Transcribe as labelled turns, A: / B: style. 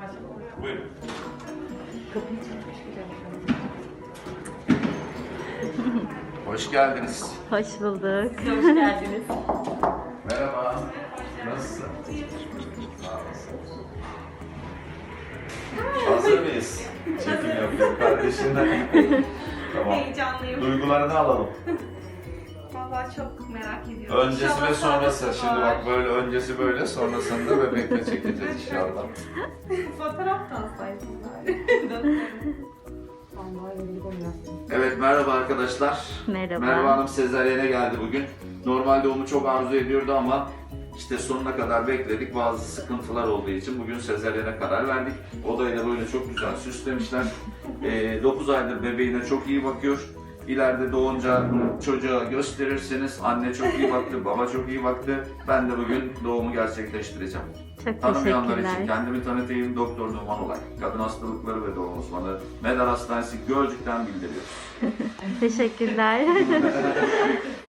A: Buyurun.
B: Kapıyı çekmiş güzel.
A: Hoş geldiniz.
B: Hoş bulduk. Hoş geldiniz.
A: Merhaba. Nasılsın? Sağ olasın. Hazır mıyız? Çekim yapıyorum kardeşimle. Tamam.
C: Heyecanlıyım.
A: Duygularını alalım.
C: Vallahi çok merak ediyorum.
A: Öncesi
C: İnşallah
A: ve sonrası.
C: sağlıklı
A: Şimdi
C: var.
A: bak böyle öncesi böyle, sonrasında bebekle çekeceğiz inşallah.
C: Fotoğraf da alsaydın bari.
A: Evet, merhaba arkadaşlar.
B: Merhaba.
A: Merve Hanım sezaryene geldi bugün. Normalde onu çok arzu ediyordu ama işte sonuna kadar bekledik. Bazı sıkıntılar olduğu için bugün sezaryene karar verdik. Odayı da böyle çok güzel süslemişler. 9 aydır bebeğine çok iyi bakıyor. İleride doğunca çocuğa gösterirseniz anne çok iyi baktı, baba çok iyi baktı. Ben de bugün doğumu gerçekleştireceğim.
B: Çok
A: Tanımayanlar için
B: teşekkürler.
A: kendimi tanıtayım. Doktor Numan Olay. Kadın hastalıkları ve doğum uzmanı. Medar Hastanesi Gölcük'ten bildiriyor.
B: Teşekkürler.